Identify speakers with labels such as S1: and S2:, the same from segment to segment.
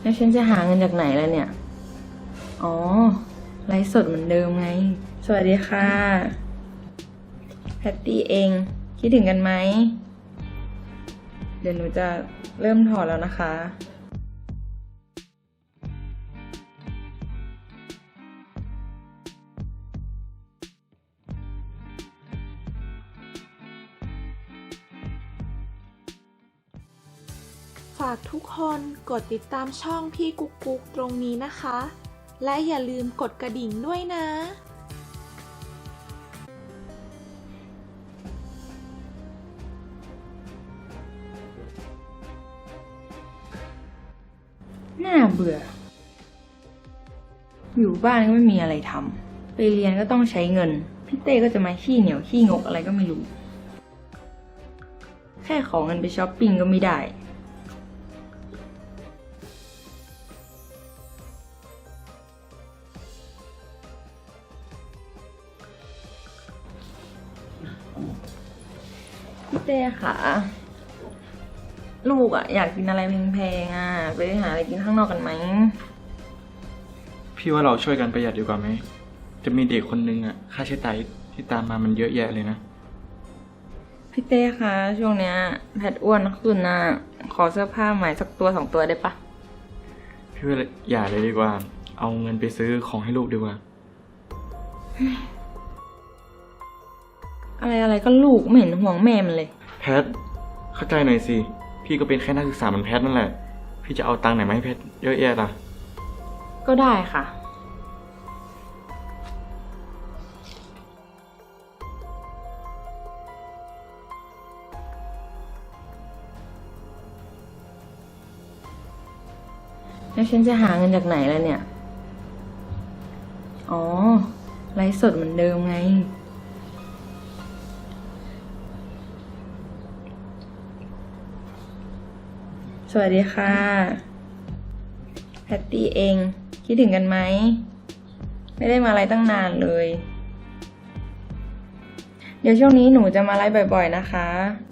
S1: แล้วฉันจะหาเงินจากไหนแล้วเนี่ย อ๋อ ไลฟ์สดเหมือนเดิมไง สวัสดีค่ะ แพตตี้เอง คิดถึงกันไหม เดี๋ยวหนูจะเริ่มถอดแล้วนะคะ
S2: ฝากทุกคนกดติดตามช่องพี่กุ๊กกุ๊กตรงนี้นะคะ และอย่าลืมกดกระดิ่งด้วยนะ
S1: น่าเบื่อ อยู่บ้านก็ไม่มีอะไรทำ ไปเรียนก็ต้องใช้เงิน พี่เต้ก็จะมาขี้เหนียวขี้งกอะไรก็ไม่รู้ แค่ขอเงินไปช้อปปิ้งก็ไม่ได้ พี่เต้ค่ะ ลูกอยากกินอะไรแพงๆไปหาอะไรกินข้างนอกกันไหม
S3: พี่ว่าเราช่วยกันประหยัดดีกว่าไหม จะมีเด็กคนนึงค่าใช้จ่ายที่ตามมามันเยอะแยะเลยนะ
S1: พี่เต้คะช่วงเนี้ยแพทอ้วนขึ้นขอเสื้อผ้าใหม่สักตัว2 ตัวได้ปะ
S3: พี่ว่าอย่าเลยดีกว่า เอาเงินไปซื้อของให้ลูกดีกว่า
S1: อะไรก็ลูกไม่เห็นห่วงแม่มันเลย
S3: แพท เข้าใจหน่อยสิ พี่ก็เป็นแค่นักศึกษาเหมือนแพทนั่นแหละ พี่จะเอาตังค์ไหนมาให้แพทเยอะแยะล่ะ
S1: ก็ได้ค่ะ แล้วฉันจะหาเงินจากไหนแล้วเนี่ย อ๋อ ไลฟ์สดเหมือนเดิมไง สวัสดีค่ะ แพตตี้เอง คิดถึงกันไหม ไม่ได้มาไลฟ์ตั้งนานเลย เดี๋ยวช่วงนี้หนูจะมาไลฟ์บ่อยๆนะคะ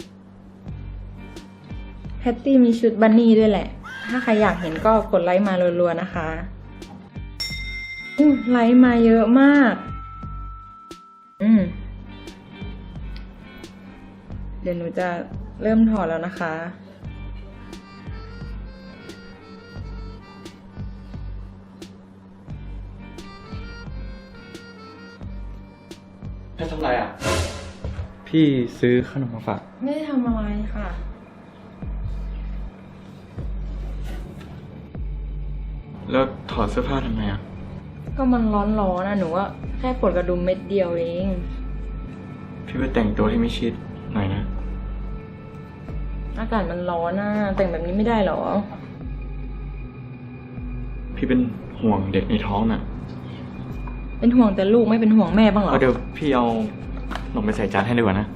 S1: แพตตี้มีชุดบันนี่ด้วยแหละ ถ้าใครอยากเห็นก็กดไลค์มารัวๆนะคะไลค์มาเยอะมาก เดี๋ยวหนูจะเริ่มถอดแล้วนะคะ
S3: แพททำไรพี่ซื้อขนมมาฝาก
S1: ไม่ได้ทำอะไรค่ะ
S3: แล้วถอดเสื้อผ้าทำไม
S1: ก็มันร้อนหนูว่าแค่ปวดกระดุมเม็ดเดียวเอง
S3: พี่ไปแต่งตัวให้ไม่ชิดหน่อยนะ
S1: อากาศมันร้อนแต่งแบบนี้ไม่ได้หรอ
S3: พี่เป็นห่วงเด็กในท้องน่ะ
S1: เป็นห่วงแต่ลูกไม่เป็นห่วงแม่บ้างเหรอ
S3: เดี๋ยวพี่เอาขนมไปใส่จานให้ดีกว่านะ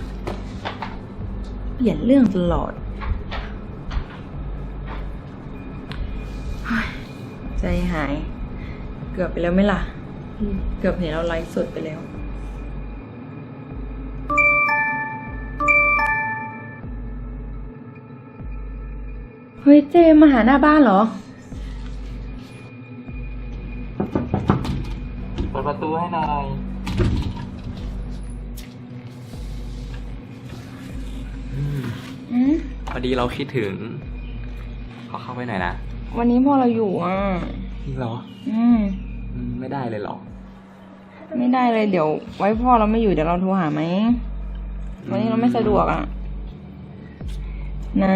S1: เปลี่ยนเรื่องตลอดเฮ้ยใจหาย เกือบไปแล้วไหมล่ะ เกือบเห็นเราไลฟ์สดไปแล้ว เฮ้ยเจมาหาหน้าบ้านเหรอ
S3: เปิดประตูให้หน่อย
S4: พอดีเราคิดถึง ขอเข้าไปหน่อยนะ
S1: วันนี้พ่อเราอยู่
S4: จริงเหรอ ไม่ได้เลยเหรอ
S1: ไม่ได้เลยเดี๋ยวไว้พ่อเราไม่อยู่เดี๋ยวเราโทรหาไหม วันนี้เราไม่สะดวกนะ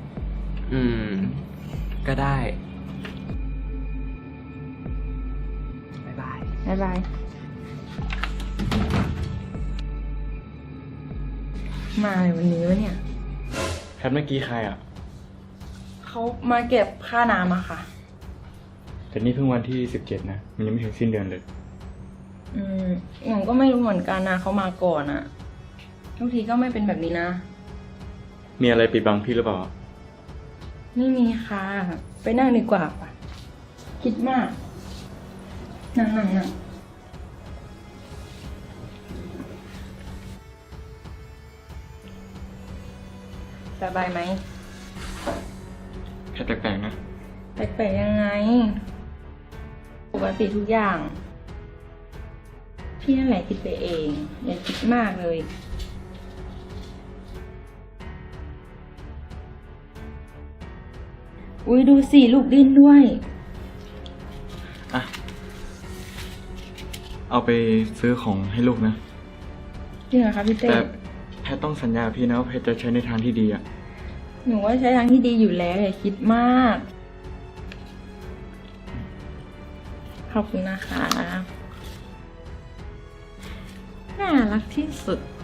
S4: ก็ได้ บ๊ายบาย
S1: บ๊ายบาย มาเลยวันนี้วะเนี่ย
S3: แพทเมื่อกี้ใคร
S1: เขามาเก็บค่าน้ำอะค่ะ
S3: แต่นี่เพิ่งวันที่17นะ มันยังไม่ถึงสิ้นเดือนเลย
S1: หนูก็ไม่รู้เหมือนกันเขามาก่อนทุกทีก็ไม่เป็นแบบนี้นะ
S3: มีอะไรปิดบังพี่หรือเปล่า
S1: ไม่มีค่ะ ไปนั่งดีกว่าป่ะ คิดมาก นั่งสบายไหม
S3: แค่แปลกๆนะ
S1: แปลกๆยังไง ปกติทุกอย่าง พี่นั่นแหละคิดไปเอง อย่าคิดมากเลย อุ้ยดูสิลูกดิ้นด้วย
S3: อ่ะ เอาไปซื้อของให้ลูกนะ
S1: จริงเหรอคะพี่เต้
S3: แต่แพทต้องสัญญากับพี่นะว่าแพทจะใช้ในทางที่ดีอะ
S1: หนูว่าใช้ทางที่ดีอยู่แล้วอย่าคิดมาก ขอบคุณนะคะ น่ารักที่สุด